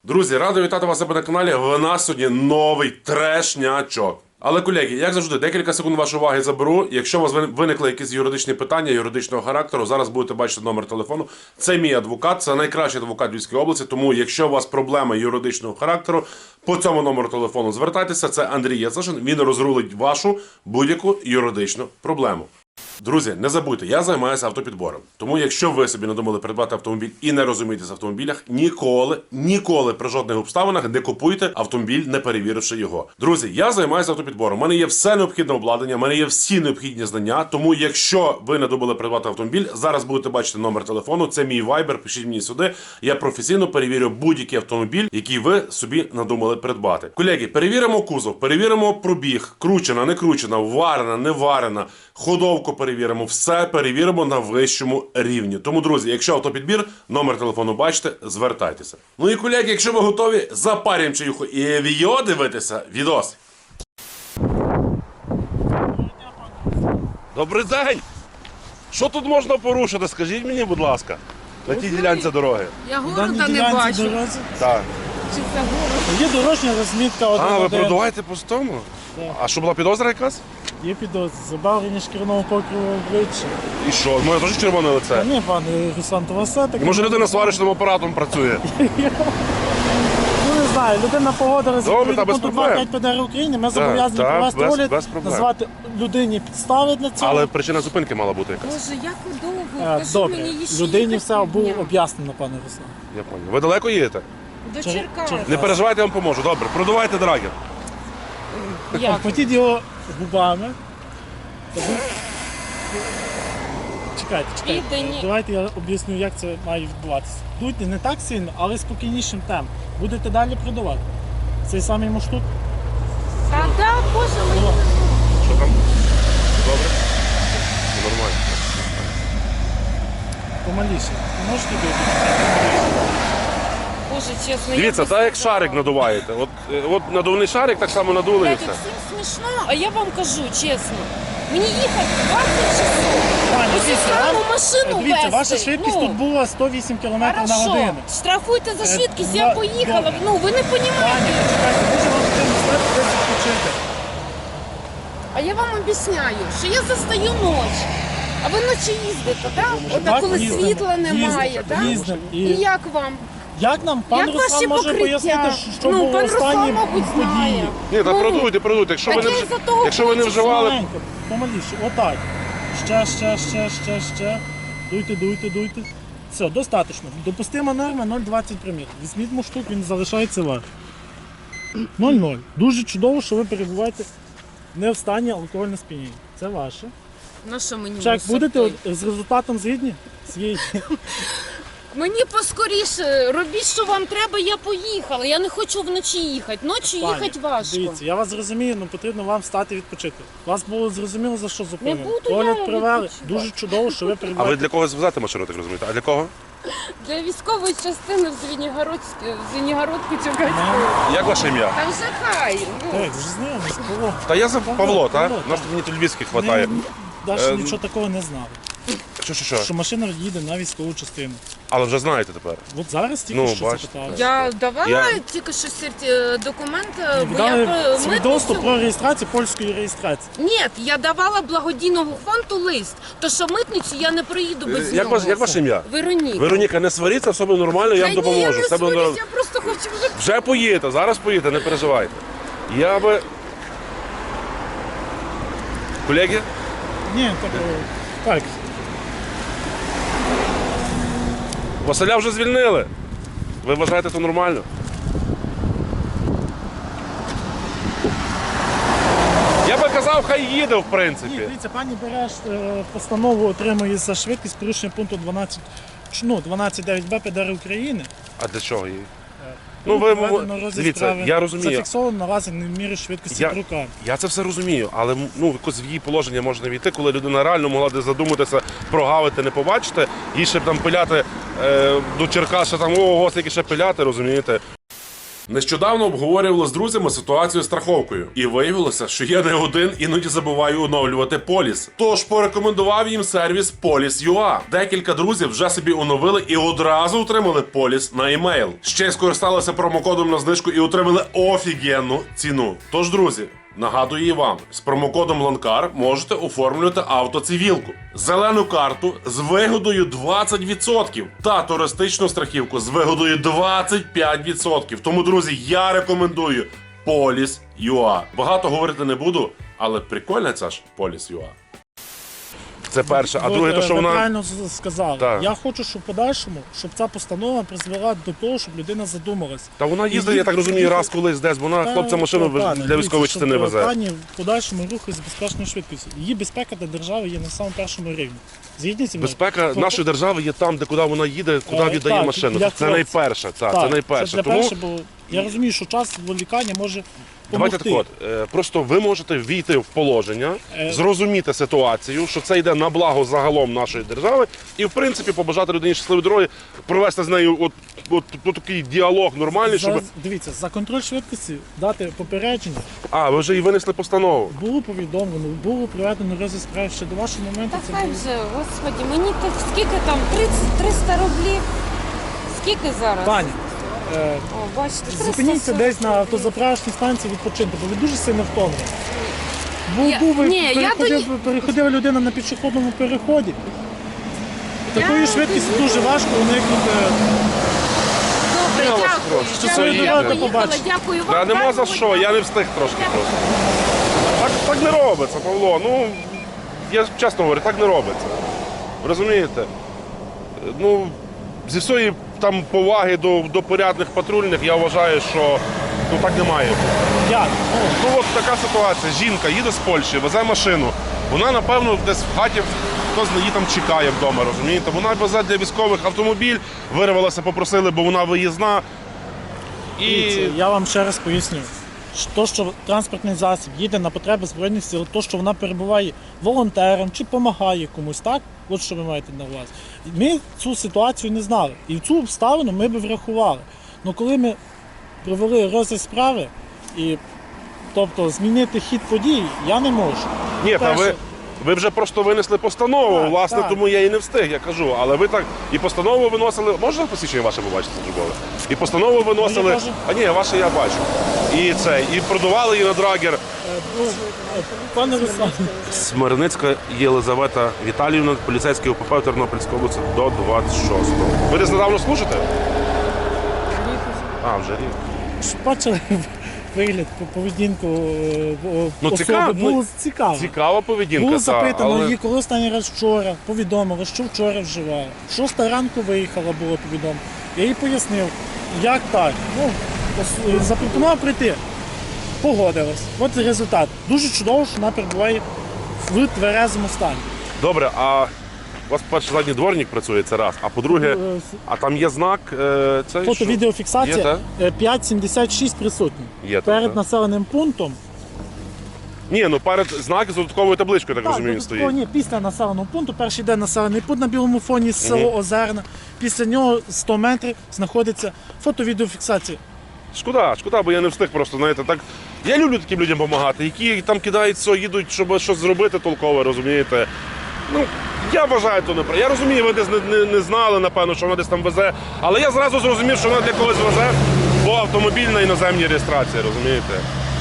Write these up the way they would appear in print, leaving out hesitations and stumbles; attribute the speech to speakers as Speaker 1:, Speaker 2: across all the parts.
Speaker 1: Друзі, радий вітати вас на каналі. В нас сьогодні новий трешнячок. Але, колеги, як завжди, декілька секунд вашої уваги заберу. Якщо у вас виникли якісь юридичні питання, юридичного характеру, зараз будете бачити номер телефону. Це мій адвокат, це найкращий адвокат Львівської області. Тому, якщо у вас проблеми юридичного характеру, по цьому номеру телефону звертайтеся. Це Андрій Яцишин, він розрулить вашу будь-яку юридичну проблему. Друзі, не забудьте, я займаюся автопідбором. Тому якщо ви собі надумали придбати автомобіль і не розумієтесь в автомобілях, ніколи при жодних обставинах не купуйте автомобіль, не перевіривши його. Друзі, я займаюся автопідбором. У мене є все необхідне обладнання, у мене є всі необхідні знання. Тому якщо ви надумали придбати автомобіль, зараз будете бачити номер телефону, це мій вайбер, пишіть мені сюди. Я професійно перевірю будь-який автомобіль, який ви собі надумали придбати. Колеги, перевіримо кузов, перевіримо пробіг, кручена, не кручена, варена, не варена, ходовку перевіримо, все перевіримо на вищому рівні. Тому, друзі, якщо автопідбір, номер телефону бачите, звертайтеся. Ну і, колеги, якщо ви готові, запарюємо чаюху і відео дивитися відос. Добрий день! Що тут можна порушити? Скажіть мені, будь ласка, на тій ділянці дороги.
Speaker 2: Я города не бачу.
Speaker 1: Так.
Speaker 2: Чи це город?
Speaker 3: Є дорожня розмітка
Speaker 1: А, ви
Speaker 3: 1-1.
Speaker 1: продуваєте по тому?
Speaker 3: Так.
Speaker 1: А що, була підозра якась?
Speaker 3: Є підозри. Забавлення шкіряного покриву обличчя.
Speaker 1: І що? Моє теж червоне лице?
Speaker 3: Ні, пане Руслан, то вас все таки.
Speaker 1: Може людина сварочним апаратом працює?
Speaker 3: Ну не знаю, людина погодилася
Speaker 1: Добре, та без
Speaker 3: пункту
Speaker 1: проблем.
Speaker 3: 2.5 ПДР України. Ми зобов'язані
Speaker 1: так,
Speaker 3: провести
Speaker 1: без
Speaker 3: огляд,
Speaker 1: проблем.
Speaker 3: назвати людині підстави для цього.
Speaker 1: Але причина зупинки мала бути якась.
Speaker 2: Боже, як довго? Кажи
Speaker 3: Добре,
Speaker 2: мені ще
Speaker 3: людині
Speaker 2: їхати
Speaker 3: все було
Speaker 2: півдня.
Speaker 3: об'яснено, пане Руслан.
Speaker 1: Я понял. Ви далеко їдете?
Speaker 2: До
Speaker 3: Чер-
Speaker 2: Черкас.
Speaker 3: Чер-
Speaker 1: Не переживайте, я вам поможу. Добре, продувайте драгер.
Speaker 2: Як?
Speaker 3: Обхватіть його губами. Чекайте.
Speaker 2: Віддані.
Speaker 3: Давайте я об'ясню, як це має відбуватися. Дуйте не так сильно, але спокійнішим темпом. Будете далі продавати. Цей самий муштук.
Speaker 2: Та да, Боже, мені.
Speaker 1: Що там? Добре? Нормально.
Speaker 3: Помаліше. Можете бити?
Speaker 2: Боже, чесно,
Speaker 1: Дивіться,
Speaker 2: я
Speaker 1: так як шарик надуваєте. От надувний шарик так само надули і
Speaker 2: Блядь,
Speaker 1: все.
Speaker 2: всім смішно, а я вам кажу, чесно. Мені їхати 20 часов.
Speaker 3: Пані,
Speaker 2: Ось
Speaker 3: дивіться,
Speaker 2: саму
Speaker 3: вам-
Speaker 2: машину
Speaker 3: Дивіться,
Speaker 2: вести.
Speaker 3: ваша швидкість
Speaker 2: Ну,
Speaker 3: тут була 108 км на
Speaker 2: Хорошо,
Speaker 3: годину.
Speaker 2: штрафуйте за швидкість, я
Speaker 3: ну,
Speaker 2: поїхала.
Speaker 3: добре.
Speaker 2: Ну, ви не
Speaker 3: Пані,
Speaker 2: розумієте.
Speaker 3: почекайте, може вам потрібно стати десь відпочити.
Speaker 2: А я вам об'ясняю, що я застаю ніч. А ви ночі їздите, так? Отак, коли
Speaker 3: їздимо,
Speaker 2: світла немає,
Speaker 3: їздимо,
Speaker 2: так?
Speaker 3: їздимо.
Speaker 2: І як вам?
Speaker 3: Як нам пан
Speaker 2: Як ваші
Speaker 3: Руслан може
Speaker 2: покриття?
Speaker 3: пояснити, що
Speaker 2: Ну,
Speaker 3: було
Speaker 2: пан Руслан,
Speaker 3: останні
Speaker 2: мабуть, знає.
Speaker 3: події?
Speaker 1: Ні, та продуйте. Якщо ви
Speaker 2: Так
Speaker 1: не
Speaker 2: я із-за того
Speaker 1: якщо ви не
Speaker 2: хочу
Speaker 1: вживали.
Speaker 3: Маленько, помаліше, отак. Ще. Дуйте. Все, достатньо. Допустима норма 0,20 проміл. Візьміть муштук, він залишається ваш. 0,0. Дуже чудово, що ви перебуваєте не в стані алкогольного сп'яніння. Це ваше.
Speaker 2: Ну що мені
Speaker 3: Чек,
Speaker 2: мусор
Speaker 3: будете
Speaker 2: той?
Speaker 3: з результатом згідні? Своєї.
Speaker 2: Мені поскоріше, робіть, що вам треба, я поїхала. Я не хочу вночі їхати. Ночі
Speaker 3: Пані,
Speaker 2: їхати важко.
Speaker 3: Дивіться, я вас зрозумію, але потрібно вам встати відпочити. Вас було зрозуміло, за що зупинили.
Speaker 2: буду
Speaker 3: Огляд
Speaker 2: я
Speaker 3: провели.
Speaker 2: відпочивати.
Speaker 3: Дуже чудово, що ви
Speaker 1: А ви
Speaker 3: перебуваєте.
Speaker 1: для когось везете машину, так розумієте? А для кого?
Speaker 2: Для військової частини в Звенігородку Чукарської.
Speaker 1: Як ваше ім'я?
Speaker 2: Там же хай. Ну.
Speaker 3: Так, вже знайомий, Павло.
Speaker 1: Та я за Павло, так?
Speaker 3: Павло,
Speaker 1: Нас
Speaker 3: так.
Speaker 1: мені тут львівських хватає.
Speaker 3: Навіть нічого такого не знали.
Speaker 1: Що?
Speaker 3: Що машина їде на військову частину.
Speaker 1: Але вже знаєте тепер.
Speaker 3: От зараз тільки
Speaker 1: Ну,
Speaker 3: що
Speaker 1: бачите.
Speaker 3: запитали.
Speaker 2: Я давала
Speaker 1: Я-
Speaker 2: тільки що документ, бо
Speaker 3: Дали
Speaker 2: я
Speaker 3: свідоцтво
Speaker 2: митницю...
Speaker 3: про реєстрацію польської реєстрації.
Speaker 2: Ні, я давала благодійного фонду лист, то що митницю я не проїду без нього.
Speaker 1: Як ваше ім'я?
Speaker 2: Вероніка.
Speaker 1: Вероніка, не сваріться, все буде нормально, я вам
Speaker 2: Та ні,
Speaker 1: допоможу.
Speaker 2: я не
Speaker 1: Все буде
Speaker 2: сварюсь,
Speaker 1: нормально.
Speaker 2: я просто хочу вже...
Speaker 1: Вже поїдете, зараз поїдете, не переживайте. Я би. Колеги?
Speaker 3: Ні, так.
Speaker 1: Василя вже звільнили. Ви вважаєте це нормально? Я би казав, хай їде, в
Speaker 3: Ні,
Speaker 1: принципі.
Speaker 3: дивіться, пані береш постанову, отримує за швидкість порушення пункту 12.9б ПДР України.
Speaker 1: А для чого її? Ну, ви,
Speaker 3: Проведено розгляд
Speaker 1: дивіться,
Speaker 3: справи.
Speaker 1: я розумію.
Speaker 3: Зафіксовано наразі не в мірі швидкості
Speaker 1: Я,
Speaker 3: руками.
Speaker 1: я це все розумію, але якось в її положення можна війти, коли людина реально могла десь задуматися, прогавити, не побачити, їй ще б там пиляти до Черкас, ще там, ого, скільки ще пиляти, розумієте? Нещодавно обговорювали з друзями ситуацію з страховкою, і виявилося, що я не один іноді забуваю оновлювати поліс. Тож порекомендував їм сервіс Police.ua. Декілька друзів вже собі оновили і одразу отримали поліс на емейл. Ще й скористалися промокодом на знижку і отримали офігенну ціну. Тож, друзі, нагадую і вам, з промокодом Ланкар можете оформлювати автоцивілку, зелену карту з вигодою 20% та туристичну страхівку з вигодою 25%. Тому, друзі, я рекомендую Police.ua. Багато говорити не буду, але прикольна ця ж Police.ua. Це перше. А друге, то, що
Speaker 3: Ви
Speaker 1: вона...
Speaker 3: правильно сказали.
Speaker 1: Так.
Speaker 3: Я хочу, щоб в подальшому, щоб ця постанова призвела до того, щоб людина задумалась.
Speaker 1: Та вона їздить, я так розумію, раз колись десь, бо вона хлопця машину для військової частини везе.
Speaker 3: Пані в подальшому руху з безпечною швидкістю. Її безпека для держави є на самому першому рівні. Згідні зі мною?
Speaker 1: Безпека нашої держави є там, де куди вона їде, куди віддає
Speaker 3: так,
Speaker 1: машину.
Speaker 3: для
Speaker 1: Це
Speaker 3: хлопців.
Speaker 1: найперше. Це найперше.
Speaker 3: Це для
Speaker 1: Тому
Speaker 3: перше, бо я розумію, що час зволікання може
Speaker 1: давайте
Speaker 3: допомогти.
Speaker 1: так от, просто ви можете війти в положення, зрозуміти ситуацію, що це йде на благо загалом нашої держави, і в принципі побажати людині щасливої дороги, провести з нею от такий діалог нормальний, щоб...
Speaker 3: Дивіться, за контроль швидкості дати попередження.
Speaker 1: А, ви вже і винесли постанову.
Speaker 3: Було повідомлено, було проведено розгляд справи ще до вашого моменту.
Speaker 2: Та
Speaker 3: Це
Speaker 2: хай
Speaker 3: було...
Speaker 2: вже, господі, мені так скільки там, 300 рублів? Скільки зараз?
Speaker 3: Пані,
Speaker 2: О, бачите, 300.
Speaker 3: зупиніться десь на автозаправочній станції відпочинку, бо ви дуже сильно втомлені. Переходила людина на пішохідному переході. Такою швидкістю дуже важко уникнути.
Speaker 2: Добре,
Speaker 1: Я вас
Speaker 2: дякую.
Speaker 1: прошу.
Speaker 2: Дякую,
Speaker 3: Це
Speaker 2: я
Speaker 3: є.
Speaker 2: поїхала,
Speaker 3: Побачимо.
Speaker 2: дякую вам.
Speaker 1: Та нема за
Speaker 2: гарного
Speaker 1: що,
Speaker 2: дня.
Speaker 1: я не встиг трошки просто. Так не робиться, Павло. Ну, я чесно говорю, так не робиться. Ви розумієте? Ну, зі всієї там поваги до порядних патрульних, я вважаю, що ну, так не має бути.
Speaker 3: Як?
Speaker 1: Ну от така ситуація. Жінка їде з Польщі, везе машину. Вона, напевно, десь в хаті хтось її там чекає вдома, розумієте? Вона везе для військових автомобіль, вирвалася, попросили, бо вона виїзна.
Speaker 3: Дивіться, я вам ще раз поясню. То, що транспортний засіб їде на потреби Збройних сил, то, що вона перебуває волонтером чи допомагає комусь, так? От що ви маєте на увазі. Ми цю ситуацію не знали. І цю обставину ми б врахували. Але коли ми провели розгляд справи, тобто змінити хід подій, я не можу.
Speaker 1: Ні, та
Speaker 3: Перше,
Speaker 1: ви вже просто винесли постанову,
Speaker 3: Так,
Speaker 1: власне,
Speaker 3: так.
Speaker 1: тому я і не встиг, я кажу. Але ви так і постанову виносили. Можна посвідчення ваше побачити службове? І постанову виносили.
Speaker 3: Моє теж.
Speaker 1: А ні, ваше я бачу. І продавали її на драгер.
Speaker 3: Пане Руслан,
Speaker 1: Смирницька Єлизавета Віталіївна, поліцейський УПП Тернопільської області до 26-го. Ви десь недавно служите? А, вже рік.
Speaker 3: бачили вигляд, поведінку
Speaker 1: Ну,
Speaker 3: особи,
Speaker 1: цікаво,
Speaker 3: було цікаво.
Speaker 1: Цікава поведінка.
Speaker 3: Було
Speaker 1: та,
Speaker 3: запитано
Speaker 1: але...
Speaker 3: її, коли останній раз вчора, повідомили, що вчора вживала. 6 ранку виїхала, було повідомлено. Я їй пояснив, як так. Ну, запропонував прийти. Погодилась. От і результат. Дуже чудово, що вона перебуває в тверезому стані.
Speaker 1: Добре, а у вас, по-перше, задній дворник працює, це раз. А по-друге, а там є знак. Цей, що?
Speaker 3: Фото-відеофіксація
Speaker 1: Є,
Speaker 3: 5,76 присутні.
Speaker 1: Є,
Speaker 3: Перед
Speaker 1: так.
Speaker 3: населеним пунктом.
Speaker 1: Ні, ну перед знак з додатковою табличкою, так розумію, він
Speaker 3: додатково,
Speaker 1: стоїть.
Speaker 3: ні, після населеного пункту, перший йде населений пункт на білому фоні, село Озерна. Після нього 100 метрів знаходиться фото-відеофіксація.
Speaker 1: Шкода, бо я не встиг просто, знаєте, так. Я люблю таким людям допомагати, які там кидають все, їдуть, щоб щось зробити толкове, розумієте. Ну, я вважаю, то неправильно. Я розумію, ви десь не знали, напевно, що вона десь там везе, але я зразу зрозумів, що вона для когось везе, бо автомобіль на іноземній реєстрації, розумієте.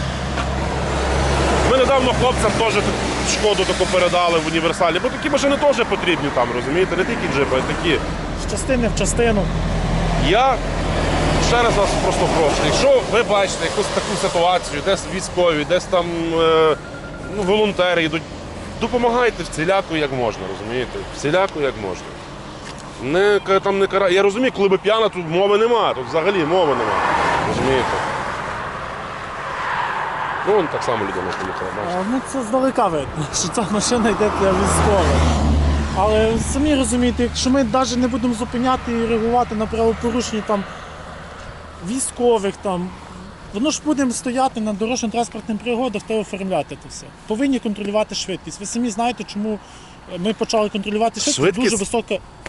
Speaker 1: Ми недавно хлопцям теж шкоду таку передали в універсалі, бо такі машини теж потрібні там, розумієте, не тільки джипи, а й такі.
Speaker 3: З частини в частину.
Speaker 1: Я ще раз вас просто прошу, якщо ви бачите якусь таку ситуацію, десь військові, десь там волонтери йдуть, допомагайте всіляко як можна, розумієте? Всіляко як можна. Не кара. Я розумію, коли би п'яна, тут мови нема, тут взагалі мови нема. Розумієте? Ну, вон так само людина поїхала, бачите.
Speaker 3: Ну це здалека видно, що ця машина йде для військових. Але самі розумієте, якщо ми навіть не будемо зупиняти і реагувати на правопорушення там військових, там, воно ж будемо стояти на дорожньо-транспортних пригодах та оформляти це все. Повинні контролювати швидкість. Ви самі знаєте, чому ми почали контролювати швидкість.
Speaker 1: Швидкість?
Speaker 3: Дуже висока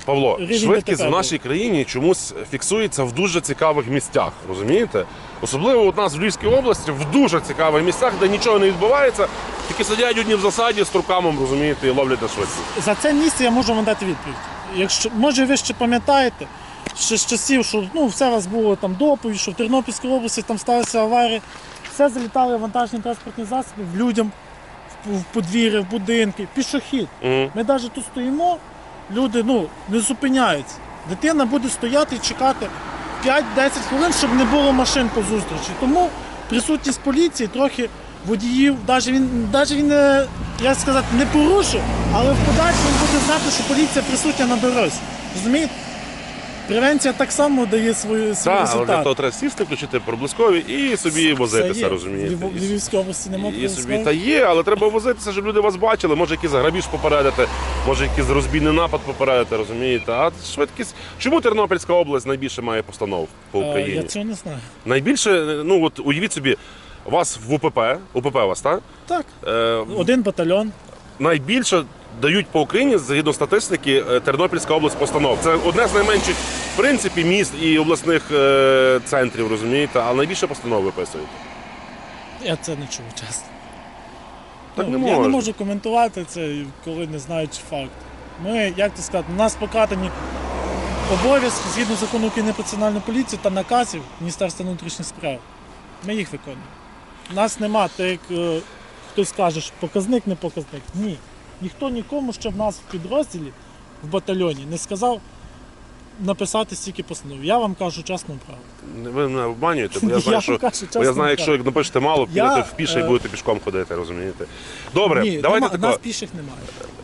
Speaker 1: Павло,
Speaker 3: рівень
Speaker 1: швидкість
Speaker 3: ДТП
Speaker 1: в нашій країні чомусь фіксується в дуже цікавих місцях, розумієте? Особливо у нас в Львівській області в дуже цікавих місцях, де нічого не відбувається, тільки сидять одні в засаді з трукамом, розумієте, і ловлять на швидкість.
Speaker 3: За це місце я можу вам дати відповідь. Якщо, може, ви ще пам'ятаєте, ще з часів, що все у вас було там доповідь, що в Тернопільській області там сталися аварії, все залітали вантажні транспортні засоби в людям, в подвір'я, в будинки, пішохід.
Speaker 1: Мгм.
Speaker 3: Ми навіть тут стоїмо, люди не зупиняються. Дитина буде стояти і чекати 5-10 хвилин, щоб не було машин по зустрічі. Тому присутність поліції трохи водіїв, навіть він як сказати, не порушив, але в подальшому буде знати, що поліція присутня на дорозі. Розумієте? Превенція так само дає свій
Speaker 1: Так, але для
Speaker 3: результат.
Speaker 1: того треба сісти, включити проблискові і собі возитися,
Speaker 3: є.
Speaker 1: розумієте.
Speaker 3: В Львівській області немає
Speaker 1: І собі та є, але треба возитися, щоб люди вас бачили. Може якийсь грабіж попередити, може якийсь розбійний напад попередити, розумієте. А швидкість. Чому Тернопільська область найбільше має постанов по Україні?
Speaker 3: Я цього не знаю.
Speaker 1: Найбільше, ну от уявіть собі, у вас в УПП у вас, так?
Speaker 3: Так,
Speaker 1: Е,
Speaker 3: один батальйон.
Speaker 1: найбільше дають по Україні, згідно статистики, Тернопільська область постанов. Це одне з найменших, в принципі, міст і обласних центрів, розумієте, але найбільше постанов виписують.
Speaker 3: Я це не чув, чесно.
Speaker 1: Так не
Speaker 3: Я
Speaker 1: можна.
Speaker 3: не можу коментувати це, коли не знаючи факт. Ми, як то сказати, у нас покладені обов'язки згідно закону України про національну поліцію та наказів Міністерства внутрішніх справ. Ми їх виконуємо. У нас нема, так як хтось каже, що показник не показник. Ні. Ніхто нікому, що в нас в підрозділі, в батальйоні, не сказав написати стільки постанов. Я вам кажу чесну правду.
Speaker 1: Ви мене обманюєте, бо я
Speaker 3: Я
Speaker 1: знаю,
Speaker 3: вам
Speaker 1: що,
Speaker 3: кажу
Speaker 1: бо я
Speaker 3: чесно,
Speaker 1: знаю, якщо
Speaker 3: так.
Speaker 1: напишете мало,
Speaker 3: Я,
Speaker 1: підете в піше і будете пішком ходити, розумієте. Добре,
Speaker 3: Ні,
Speaker 1: давайте
Speaker 3: у нас
Speaker 1: тако.
Speaker 3: піших немає.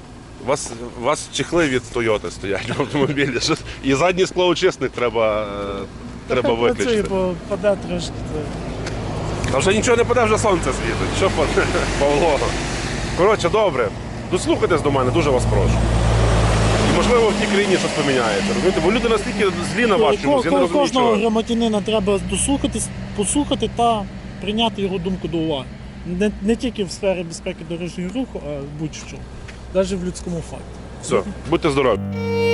Speaker 1: У вас чехли від Тойоти стоять в автомобілі. І задній склоочисник треба
Speaker 3: Працює,
Speaker 1: виключити.
Speaker 3: бо паде трошки.
Speaker 1: Та вже нічого не паде, вже сонце світить. Що паде, Павло? Коротше, добре. Дослухайтесь до мене, дуже вас прошу. І можливо в тій країні щось поміняється. Розумієте? Бо люди настільки злі на вас чомусь, я не розумію
Speaker 3: Кожного
Speaker 1: чого.
Speaker 3: громадянина треба дослухатись, послухати та прийняти його думку до уваги. Не тільки в сфері безпеки дорожнього руху, а будь-що. Навіть в людському факті.
Speaker 1: Все, будьте здорові.